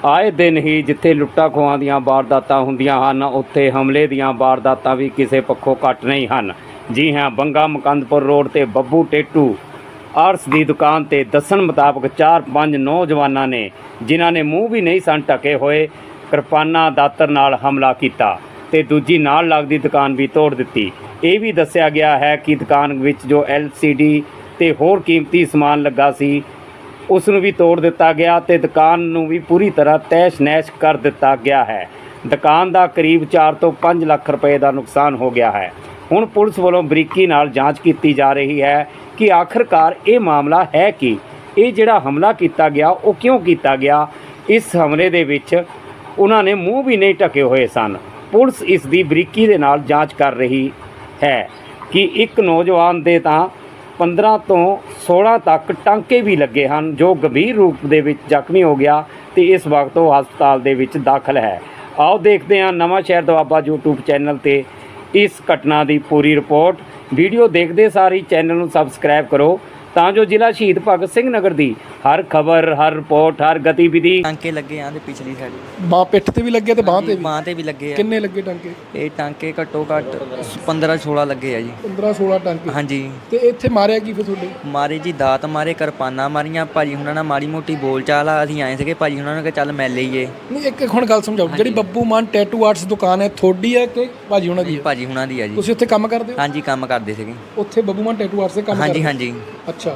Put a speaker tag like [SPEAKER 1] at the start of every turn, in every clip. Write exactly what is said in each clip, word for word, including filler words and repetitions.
[SPEAKER 1] ਆਏ ਦਿਨ ਹੀ ਜਿੱਥੇ ਲੁੱਟਾਂ ਖੋਹਾਂ ਦੀਆਂ ਵਾਰਦਾਤਾਂ ਹੁੰਦੀਆਂ ਹਨ, ਉੱਥੇ ਹਮਲੇ ਦੀਆਂ ਵਾਰਦਾਤਾਂ ਵੀ ਕਿਸੇ ਪੱਖੋਂ ਘੱਟ ਨਹੀਂ ਹਨ। ਜੀ ਹਾਂ, ਬੰਗਾ ਮੁਕੰਦਪੁਰ ਰੋਡ ਤੇ ਬੱਬੂ ਟੇਟੂ ਆਰਸ ਦੀ ਦੁਕਾਨ ਤੇ ਦੱਸਣ ਮੁਤਾਬਕ ਚਾਰ ਪੰਜ ਨੌਜਵਾਨਾਂ ਨੇ, ਜਿਨ੍ਹਾਂ ਨੇ ਮੂੰਹ ਵੀ ਨਹੀਂ ਸਨ ਢਕੇ ਹੋਏ, ਕਿਰਪਾਨਾਂ ਦਾਤਰ ਨਾਲ ਹਮਲਾ ਕੀਤਾ ਤੇ ਦੂਜੀ ਨਾਲ ਲੱਗਦੀ ਦੁਕਾਨ ਵੀ ਤੋੜ ਦਿੱਤੀ। ਇਹ ਵੀ ਦੱਸਿਆ ਗਿਆ ਹੈ ਕਿ ਦੁਕਾਨ ਵਿੱਚ ਜੋ ਐਲ ਸੀ ਡੀ ਤੇ ਹੋਰ ਕੀਮਤੀ ਸਮਾਨ ਲੱਗਾ ਸੀ, ਉਸ ਨੂੰ ਵੀ ਤੋੜ ਦਿੱਤਾ ਗਿਆ ਤੇ ਦੁਕਾਨ ਨੂੰ ਵੀ ਪੂਰੀ ਤਰ੍ਹਾਂ ਤਹਿਸ਼ ਨਹਿਸ਼ ਕਰ ਦਿੱਤਾ ਗਿਆ ਹੈ। ਦੁਕਾਨ ਦਾ ਕਰੀਬ ਚਾਰ ਤੋਂ ਪੰਜ ਲੱਖ ਰੁਪਏ ਦਾ ਨੁਕਸਾਨ ਹੋ ਗਿਆ ਹੈ। ਹੁਣ ਪੁਲਿਸ ਵੱਲੋਂ ਬਰੀਕੀ ਨਾਲ ਜਾਂਚ ਕੀਤੀ ਜਾ ਰਹੀ ਹੈ ਕਿ ਆਖਰਕਾਰ ਇਹ ਮਾਮਲਾ ਹੈ ਕਿ ਇਹ ਜਿਹੜਾ ਹਮਲਾ ਕੀਤਾ ਗਿਆ ਉਹ ਕਿਉਂ ਕੀਤਾ ਗਿਆ। ਇਸ ਹਮਲੇ ਦੇ ਵਿੱਚ ਉਹਨਾਂ ਨੇ ਮੂੰਹ ਵੀ ਨਹੀਂ ਢਕੇ ਹੋਏ ਸਨ। ਪੁਲਿਸ ਇਸ ਦੀ ਬਰੀਕੀ ਦੇ ਨਾਲ ਜਾਂਚ ਕਰ ਰਹੀ ਹੈ ਕਿ ਇੱਕ ਨੌਜਵਾਨ ਦੇ ਤਾਂ ਪੰਦਰਾਂ ਤੋਂ ਸੋਲ੍ਹਾਂ ਤੱਕ ਟਾਂਕੇ ਵੀ ਲੱਗੇ ਹਨ, ਜੋ ਗੰਭੀਰ ਰੂਪ ਦੇ ਵਿੱਚ ਜ਼ਖਮੀ ਹੋ ਗਿਆ ਤੇ ਇਸ ਵਕਤ ਉਹ ਹਸਪਤਾਲ ਦੇ ਵਿੱਚ ਦਾਖਲ ਹੈ। ਆਓ ਦੇਖਦੇ ਹਾਂ ਨਵਾਂ ਸ਼ਹਿਰ ਦੁਆਬਾ ਯੂਟਿਊਬ ਚੈਨਲ ਤੇ ਇਸ ਘਟਨਾ ਦੀ ਪੂਰੀ ਰਿਪੋਰਟ। ਵੀਡੀਓ ਦੇਖਦੇ ਸਾਰ ਹੀ ਚੈਨਲ ਨੂੰ ਸਬਸਕ੍ਰਾਈਬ ਕਰੋ ਤਾਂ ਜੋ ਜ਼ਿਲ੍ਹਾ ਸ਼ਹੀਦ ਭਗਤ ਸਿੰਘ ਨਗਰ ਦੀ ਹਰ ਖਬਰ, ਹਰ ਰਿਪੋਰਟ, ਹਰ ਗਤੀਵਿਧੀ।
[SPEAKER 2] ਟਾਂਕੇ ਲੱਗੇ ਆਂ ਤੇ ਪਿਛਲੀ ਸਾਈਡ
[SPEAKER 3] ਬਾਹ ਪਿੱਠ ਤੇ ਵੀ ਲੱਗੇ ਤੇ ਬਾਹ ਤੇ ਵੀ
[SPEAKER 2] ਬਾਂਹ ਤੇ ਵੀ ਲੱਗੇ ਆ।
[SPEAKER 3] ਕਿੰਨੇ ਲੱਗੇ ਟਾਂਕੇ?
[SPEAKER 2] ਇਹ ਟਾਂਕੇ ਘੱਟੋ ਘੱਟ ਪੰਦਰਾਂ ਸੋਲ੍ਹਾਂ ਲੱਗੇ ਆ ਜੀ।
[SPEAKER 3] ਪੰਦਰਾਂ ਸੋਲ੍ਹਾਂ ਟਾਂਕੇ?
[SPEAKER 2] ਹਾਂਜੀ।
[SPEAKER 3] ਤੇ ਇੱਥੇ ਮਾਰਿਆ ਕੀ ਫਿਰ ਤੁਹਾਡੇ?
[SPEAKER 2] ਮਾਰੇ ਜੀ ਦਾਤ ਮਾਰੇ, ਕਿਰਪਾਨਾਂ ਮਾਰੀਆਂ। ਭਾਜੀ ਹੁਣਾਂ ਨਾਲ ਮਾੜੀ ਮੋਟੀ ਬੋਲ ਚਾਲ ਆ। ਅਸੀਂ ਆਏ ਸੀਗੇ, ਭਾਜੀ ਹੁਣਾਂ ਨੇ ਕਿਹਾ ਚੱਲ ਮਿਲ ਲਈਏ।
[SPEAKER 3] ਨਹੀਂ, ਇੱਕ ਹੁਣ ਗੱਲ ਸਮਝਾਓ, ਜਿਹੜੀ ਬੱਬੂ ਮਾਨ ਟੈਟੂ ਆਰਟਸ ਦੁਕਾਨ ਹੈ ਤੁਹਾਡੀ ਹੈ ਕਿ ਭਾਜੀ ਹੁਣਾਂ ਦੀ ਹੈ?
[SPEAKER 2] ਭਾਜੀ ਹੁਣਾਂ ਦੀ ਆ ਜੀ।
[SPEAKER 3] ਤੁਸੀਂ ਉੱਥੇ ਕੰਮ ਕਰਦੇ ਹੋ?
[SPEAKER 2] ਹਾਂਜੀ, ਕੰਮ ਕਰਦੇ ਸੀਗੇ
[SPEAKER 3] ਉੱਥੇ ਬੱਬੂ ਮਾਨ ਟੈਟੂ ਆਰਟਸ ਦੇ ਕੰਮ ਕਰਦੇ?
[SPEAKER 2] ਹਾਂਜੀ ਹਾਂਜੀ।
[SPEAKER 3] ਅੱਛਾ।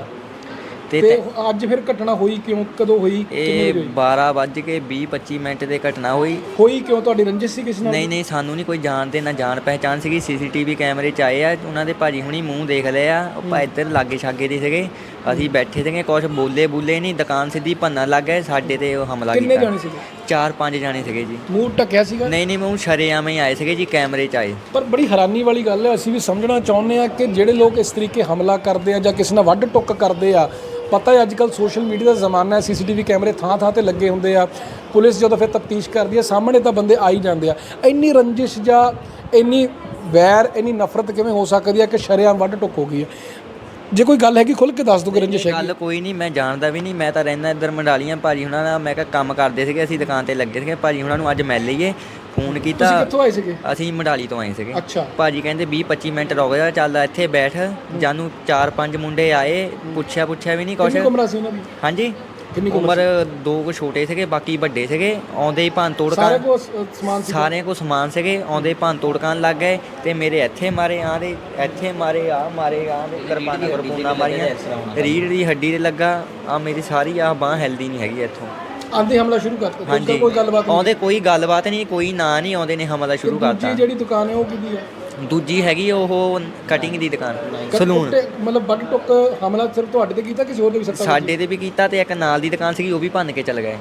[SPEAKER 2] ਤੇ
[SPEAKER 3] ਤੇ ਅੱਜ ਫਿਰ ਘਟਨਾ ਹੋਈ ਕਿਉਂ, ਕਦੋਂ ਹੋਈ?
[SPEAKER 2] ਇਹ ਬਾਰਾਂ ਵੱਜ ਕੇ ਵੀਹ ਪੱਚੀ ਮਿੰਟ ਦੇ ਘਟਨਾ ਹੋਈ।
[SPEAKER 3] ਹੋਈ ਕਿਉਂ? ਤੁਹਾਡੀ ਰੰਜਿਸ਼ ਸੀ ਕਿਸੇ ਨਾਲ?
[SPEAKER 2] ਨਹੀਂ ਨਹੀਂ, ਸਾਨੂੰ ਨਹੀਂ ਕੋਈ ਜਾਣਦੇ ਨਾ ਜਾਣ ਪਹਿਚਾਣ ਸੀਗੀ। ਸੀ ਸੀ ਟੀ ਵੀ ਕੈਮਰੇ 'ਚ ਆਏ ਆ, ਉਹਨਾਂ ਦੇ ਭਾਜੀ ਹੁਣੀ ਮੂੰਹ ਦੇਖ ਲਏ ਆ। ਉਹ ਭਾਈ ਇੱਧਰ ਲਾਗੇ ਛਾਗੇ ਦੇ ਸੀਗੇ, ਅਸੀਂ ਬੈਠੇ ਸੀਗੇ, ਕੁਛ ਬੋਲੇ ਬੁੱਲੇ ਨਹੀਂ, ਦੁਕਾਨ ਸਿੱਧੀ ਭੰਨਣ ਲੱਗ ਗਏ ਸਾਡੇ ਤੇ। ਉਹ ਹਮਲਾ ਕੀਤਾ।
[SPEAKER 3] ਕਿੰਨੇ ਜਾਣੇ ਸੀਗੇ?
[SPEAKER 2] ਚਾਰ ਪੰਜ ਜਾਣੇ ਸੀਗੇ ਜੀ।
[SPEAKER 3] ਮੂੰਹ ਢੱਕਿਆ ਸੀਗਾ?
[SPEAKER 2] ਨਹੀਂ ਨਹੀਂ, ਮੂੰਹ ਸ਼ਰੇਆਮ ਹੀ ਆਏ ਸੀਗੇ ਜੀ, ਕੈਮਰੇ 'ਚ ਆਏ।
[SPEAKER 3] ਪਰ ਬੜੀ ਹੈਰਾਨੀ ਵਾਲੀ ਗੱਲ ਹੈ, ਅਸੀਂ ਵੀ ਸਮਝਣਾ ਚਾਹੁੰਦੇ ਆ ਕਿ ਜਿਹੜੇ ਲੋਕ ਇਸ ਤਰੀਕੇ ਹਮਲਾ ਕਰਦੇ ਆ ਜਾਂ ਕਿਸੇ ਨਾਲ ਵੱਢ ਟੁੱਕ ਕਰਦੇ ਆ, ਪਤਾ ਹੈ ਅੱਜ ਕੱਲ੍ਹ ਸੋਸ਼ਲ ਮੀਡੀਆ ਦਾ ਜ਼ਮਾਨਾ ਹੈ, ਸੀ ਸੀ ਟੀ ਵੀ ਕੈਮਰੇ ਥਾਂ ਥਾਂ 'ਤੇ ਲੱਗੇ ਹੁੰਦੇ ਆ। ਪੁਲਿਸ ਜਦੋਂ ਫਿਰ ਤਫਤੀਸ਼ ਕਰਦੀ ਹੈ, ਸਾਹਮਣੇ ਤਾਂ ਬੰਦੇ ਆ ਹੀ ਜਾਂਦੇ ਆ। ਇੰਨੀ ਰੰਜਿਸ਼ ਜਾਂ ਇੰਨੀ ਵੈਰ, ਇੰਨੀ ਨਫ਼ਰਤ ਕਿਵੇਂ ਹੋ ਸਕਦੀ ਹੈ ਕਿ ਸ਼ਰੇਆਮ ਵੱਢ ਟੁੱਕ ਹੋ ਗਈ ਹੈ? ਜੇ ਕੋਈ ਗੱਲ ਹੈਗੀ ਖੁੱਲ੍ਹ ਕੇ ਦੱਸ ਦਿਓ ਕਿ ਰੰਜਿਸ਼ ਹੈਗੀ।
[SPEAKER 2] ਗੱਲ ਕੋਈ ਨਹੀਂ, ਮੈਂ ਜਾਣਦਾ ਵੀ ਨਹੀਂ। ਮੈਂ ਤਾਂ ਰਹਿੰਦਾ ਇੱਧਰ ਮੰਡਾਲੀਆਂ। ਭਾਜੀ ਹੁਣਾਂ ਨਾਲ ਮੈਂ ਕਿਹਾ ਕੰਮ ਕਰਦੇ ਸੀਗੇ, ਅਸੀਂ ਦੁਕਾਨ 'ਤੇ ਲੱਗੇ ਸੀਗੇ। ਭਾਜੀ ਹੁਣਾਂ ਨੂੰ ਅੱਜ ਮਿਲ ਲਈਏ, ਫੋਨ ਕੀਤਾ।
[SPEAKER 3] ਤੁਸੀਂ ਕਿੱਥੋਂ ਆਏ ਸੀਗੇ?
[SPEAKER 2] ਅਸੀਂ ਮੰਡਾਲੀ ਤੋਂ ਆਏ ਸੀਗੇ।
[SPEAKER 3] ਅੱਛਾ।
[SPEAKER 2] ਭਾਜੀ ਕਹਿੰਦੇ ਵੀਹ ਪੱਚੀ ਮਿੰਟ ਰੁਕ ਜਾ, ਚੱਲ ਇੱਥੇ ਬੈਠ। ਜਾਨੂੰ ਚਾਰ ਪੰਜ ਮੁੰਡੇ ਆਏ, ਪੁੱਛਿਆ ਪੁੱਛਿਆ ਵੀ ਨਹੀਂ ਕੁਛ।
[SPEAKER 3] ਕਿੰਨੀ ਉਮਰ ਸੀ ਉਹਨਾਂ ਦੀ?
[SPEAKER 2] ਹਾਂਜੀ, ਉਮਰ ਦੋ ਕੁ ਛੋਟੇ ਸੀਗੇ, ਬਾਕੀ ਵੱਡੇ ਸੀਗੇ। ਆਉਂਦੇ ਹੀ ਭੰਨ ਤੋੜ
[SPEAKER 3] ਸਾਰੇ
[SPEAKER 2] ਕਰਨ,
[SPEAKER 3] ਕੋਲ ਸਮਾਨ ਸੀ?
[SPEAKER 2] ਸਾਰਿਆਂ ਕੋਲ ਸਮਾਨ ਸੀਗੇ। ਆਉਂਦੇ ਭੰਨ ਤੋੜ ਕਰਨ ਲੱਗ ਗਏ ਤੇ ਮੇਰੇ ਇੱਥੇ ਮਾਰੇ, ਆਹ ਦੇ ਇੱਥੇ ਮਾਰੇ, ਆਹ ਮਾਰੇ, ਆਹ ਦੇ ਕਿਰਪਾਨਾਂ ਕਿਰਪੂਨਾਂ ਮਾਰੀਆਂ। ਰੀੜ ਦੀ ਹੱਡੀ ਤੇ ਲੱਗਾ। ਆ ਮੇਰੀ ਸਾਰੀ ਆਹ ਬਾਂਹ ਹਿਲਦੀ ਨਹੀਂ ਹੈਗੀ ਇੱਥੋਂ।
[SPEAKER 3] ਆਂਦੇ ਹਮਲਾ ਸ਼ੁਰੂ ਕਰਤਾ?
[SPEAKER 2] ਹਾਂਜੀ,
[SPEAKER 3] ਕੋਈ ਗੱਲਬਾਤ
[SPEAKER 2] ਆਉਂਦੇ ਕੋਈ ਗੱਲਬਾਤ ਨਹੀਂ, ਕੋਈ ਨਾਂ ਨਹੀਂ, ਆਉਂਦੇ ਨੇ ਹਮਲਾ ਸ਼ੁਰੂ ਕਰਤਾ।
[SPEAKER 3] ਦੂਜੀ ਜਿਹੜੀ ਦੁਕਾਨ ਹੈ ਉਹ ਕਿਹਦੀ ਹੈ?
[SPEAKER 2] ਦੂਜੀ ਹੈਗੀ ਉਹ ਕਟਿੰਗ ਦੀ ਦੁਕਾਨ, ਸਲੂਨ।
[SPEAKER 3] ਮਤਲਬ ਵੱਢ ਟੁੱਕ ਹਮਲਾ ਸਿਰਫ ਤੁਹਾਡੇ ਤੇ ਕੀਤਾ, ਕਿਸੇ ਹੋਰ ਦੇ ਵੀ ਸੱਟਾਂ?
[SPEAKER 2] ਸਾਡੇ ਤੇ ਵੀ ਕੀਤਾ ਤੇ ਇੱਕ ਨਾਲ ਦੀ ਦੁਕਾਨ ਸੀਗੀ, ਉਹ ਵੀ ਭੰਨ ਕੇ ਚਲ ਗਏ।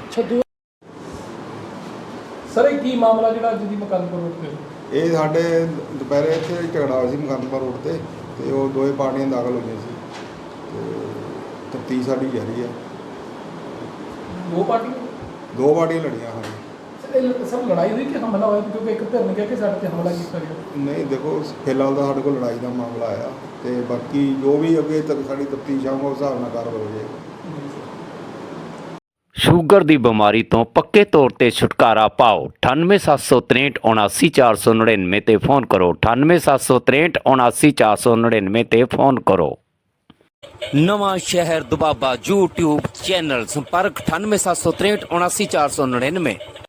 [SPEAKER 3] ਸਰ, ਇਹ ਕੀ ਮਾਮਲਾ ਜਿਹੜਾ ਅੱਜ ਦੀ ਮੁਕੰਦਪੁਰ ਰੋਡ ਤੇ?
[SPEAKER 4] ਇਹ ਸਾਡੇ ਦੁਪਹਿਰੇ ਇੱਥੇ ਝਗੜਾ ਹੋਇਆ ਸੀ ਮੁਕੰਦਪੁਰ ਰੋਡ ਤੇ ਤੇ ਉਹ ਦੋਵੇਂ ਪਾਰਟੀਆਂ ਦਾਖਲ ਹੋਈਆਂ ਸੀ ਤੇ ਤਫਤੀਸ਼ ਸਾਡੀ ਜਾਰੀ ਹੈ।
[SPEAKER 3] ਦੋ ਪਾਰਟੀਆਂ?
[SPEAKER 4] ਦੋ ਪਾਰਟੀਆਂ ਲੜੀਆਂ ਹਨ।
[SPEAKER 3] ਇਹ ਸਭ ਲੜਾਈ ਹੋਈ ਕਿ ਹਮਲਾ ਹੋਇਆ? ਕਿਉਂਕਿ ਇੱਕ ਧਿਰ ਨੇ ਕਿਹਾ ਕਿ ਸਾਡੇ ਤੇ ਹਮਲਾ ਕੀਤਾ ਗਿਆ।
[SPEAKER 4] ਨਹੀਂ, ਦੇਖੋ ਫਿਲਹਾਲ ਤਾਂ ਸਾਡੇ ਕੋਲ ਲੜਾਈ ਦਾ ਮਾਮਲਾ ਆਇਆ ਤੇ ਬਾਕੀ ਜੋ ਵੀ ਅੱਗੇ ਤੱਕ ਸਾਡੀ ਤਫਤੀਸ਼ ਆਊਗਾ ਉਸ ਹਿਸਾਬ ਨਾਲ ਕਾਰਵਾਈ ਹੋ ਜਾਏਗੀ।
[SPEAKER 1] ਸ਼ੂਗਰ ਦੀ ਬਿਮਾਰੀ ਤੋਂ ਪੱਕੇ ਤੌਰ ਤੇ ਛੁਟਕਾਰਾ ਪਾਓ। ਅਠਾਨਵੇਂ ਸੱਤ ਸੌ ਤਰੇਂਹਠ ਉਨਾਸੀ ਚਾਰ ਸੌ ਨੜਿਨਵੇਂ ਤੇ ਫ਼ੋਨ ਕਰੋ। ਅਠਾਨਵੇਂ ਸੱਤ ਸੌ ਤਰੇਂਹਠ ਉਨਾਸੀ ਚਾਰ ਸੌ ਨੜਿਨਵੇਂ ਤੇ ਫ਼ੋਨ ਕਰੋ। ਨਵਾਂ ਸ਼ਹਿਰ ਦੁਆਬਾ YouTube ਚੈਨਲ, ਸੰਪਰਕ ਅਠਾਨਵੇਂ ਸੱਤ ਸੌ ਤਰੇਂਹਠ ਉਨਾਸੀ ਚਾਰ ਸੌ ਨੜਿਨਵੇਂ।